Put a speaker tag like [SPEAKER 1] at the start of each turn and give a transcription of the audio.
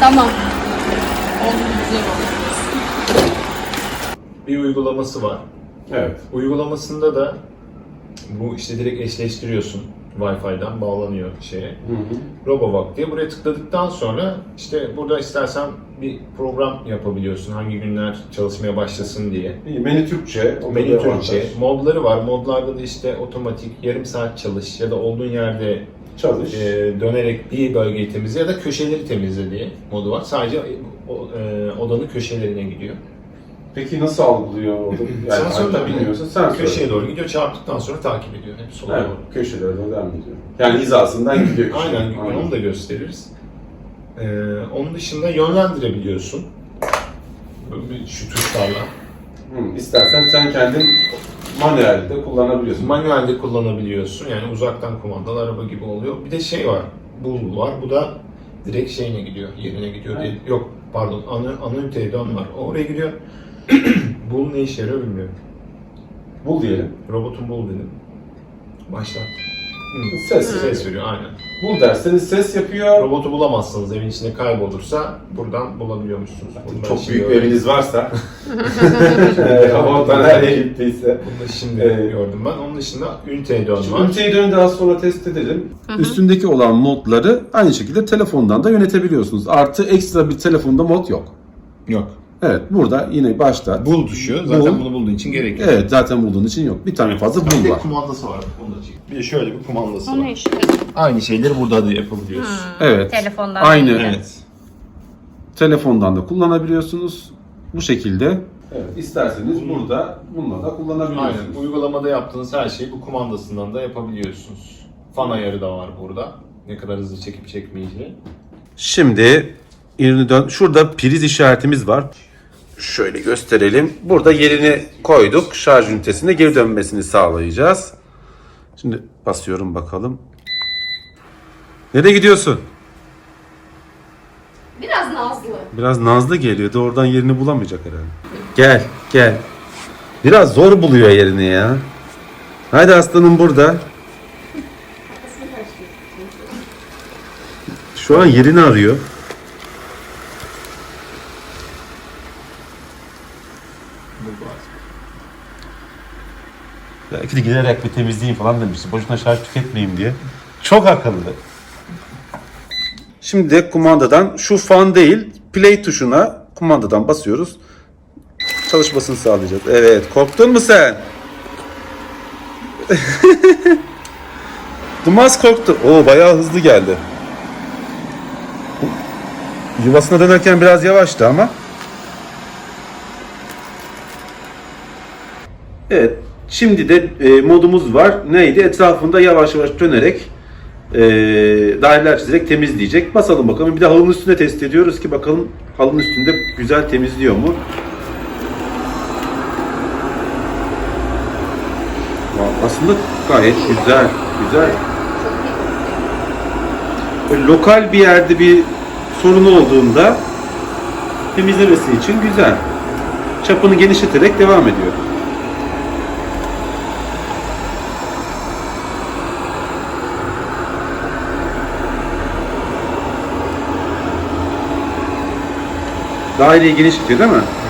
[SPEAKER 1] Tamam. Oldu, güzel oldu.
[SPEAKER 2] Bir uygulaması var.
[SPEAKER 3] Evet.
[SPEAKER 2] Uygulamasında da bu işte direkt eşleştiriyorsun. Wi-Fi'den bağlanıyor şeye.
[SPEAKER 3] Hı hı.
[SPEAKER 2] RoboVac diye. Buraya tıkladıktan sonra işte burada istersen bir program yapabiliyorsun. Hangi günler çalışmaya başlasın diye.
[SPEAKER 3] İyi, menü Türkçe.
[SPEAKER 2] Menü Türkçe. Modları var. Modlarda da işte otomatik, yarım saat çalış ya da olduğun yerde
[SPEAKER 3] Çalış.
[SPEAKER 2] dönerek bir bölgeyi temizle ya da köşeleri temizle diye modu var. Sadece odanın köşelerine gidiyor.
[SPEAKER 3] Peki nasıl algılıyor orada? Yani
[SPEAKER 2] Sensörle
[SPEAKER 3] bilmiyorsa sensör.
[SPEAKER 2] köşeye doğru gidiyor. Çarptıktan sonra takip ediyor. Hep sola
[SPEAKER 3] Evet,
[SPEAKER 2] doğru.
[SPEAKER 3] köşelere doğru devam ediyor. Yani hizasından gidiyor.
[SPEAKER 2] Aynen, onu da gösteririz. Onun dışında yönlendirebiliyorsun. Şu tuşlarla.
[SPEAKER 3] İstersen sen kendin manuelde kullanabiliyorsun.
[SPEAKER 2] Manuelde kullanabiliyorsun. Yani uzaktan kumandalı araba gibi oluyor. Bir de şey var. Bul var. Bu da direkt şeyine gidiyor. Yerine gidiyor.
[SPEAKER 3] Evet.
[SPEAKER 2] Yok pardon. Ana üniteye dön var. O oraya gidiyor. Bul ne işe yarıyor bilmiyorum.
[SPEAKER 3] Bul diyelim.
[SPEAKER 2] Robotun bul dedim. Başlat. Ses veriyor aynen.
[SPEAKER 3] Bul derseniz ses yapıyor.
[SPEAKER 2] Robotu bulamazsanız evin içinde kaybolursa buradan bulabiliyormuşsunuz. Bunu ben
[SPEAKER 3] Çok
[SPEAKER 2] şimdi
[SPEAKER 3] büyük bir
[SPEAKER 2] öğrendim.
[SPEAKER 3] eviniz varsa. Robotlar nereye gittiyse.
[SPEAKER 2] Bunu da şimdi gördüm ben. Onun dışında üniteye dön var.
[SPEAKER 3] Üniteyi dönü daha sonra test edelim. Üstündeki olan modları aynı şekilde telefondan da yönetebiliyorsunuz. Artı ekstra bir telefonda mod yok.
[SPEAKER 2] Yok.
[SPEAKER 3] Evet, burada yine başta.
[SPEAKER 2] Bul tuşu. Zaten
[SPEAKER 3] Bul.
[SPEAKER 2] bunu bulduğun için gerek yok.
[SPEAKER 3] Evet, zaten bulduğun için yok. Bir tane fazla
[SPEAKER 2] Bir
[SPEAKER 3] bul
[SPEAKER 2] de
[SPEAKER 3] var.
[SPEAKER 2] kumandası var. Onu da çekeyim. Bir de şöyle bir kumandası
[SPEAKER 1] O
[SPEAKER 2] var.
[SPEAKER 1] ne işte?
[SPEAKER 2] Aynı şeyleri burada da yapabiliyorsun.
[SPEAKER 3] Evet.
[SPEAKER 1] Telefondan.
[SPEAKER 3] Aynı.
[SPEAKER 1] değil.
[SPEAKER 2] Evet.
[SPEAKER 3] Telefondan da kullanabiliyorsunuz. Bu şekilde. Evet, isterseniz burada bununla da kullanabiliyorsunuz.
[SPEAKER 2] Aynen. Uygulamada yaptığınız her şeyi bu kumandasından da yapabiliyorsunuz. Fan ayarı da var burada. Ne kadar hızlı çekip çekmeyeceği.
[SPEAKER 3] Şimdi yerini dön. Şurada priz işaretimiz var. Şöyle gösterelim. Burada yerini koyduk. Şarj ünitesine geri dönmesini sağlayacağız. Şimdi basıyorum bakalım. Nereye gidiyorsun?
[SPEAKER 1] Biraz nazlı.
[SPEAKER 3] Biraz nazlı geliyor. Doğrudan yerini bulamayacak herhalde. Gel, gel. Biraz zor buluyor yerini ya. Haydi aslanım burada. Şu an yerini arıyor. Belki de giderek bir temizleyeyim falan demişti. Boşuna şarj tüketmeyeyim diye. Çok akıllı. Şimdi de kumandadan şu fan değil, play tuşuna kumandadan basıyoruz. Çalışmasını sağlayacağız. Evet, korktun mu sen? Dumas korktu. Oo, bayağı hızlı geldi. Yuvasına dönerken biraz yavaştı ama. Evet, şimdi de modumuz var. Neydi? Etrafında yavaş yavaş dönerek daireler çizerek temizleyecek. Basalım bakalım. Bir de halının üstünde test ediyoruz ki bakalım halının üstünde güzel temizliyor mu? Aslında gayet güzel. Güzel. Böyle lokal bir yerde bir sorunu olduğunda temizlemesi için güzel. Çapını genişleterek devam ediyor. Daireyi genişletiyor değil mi?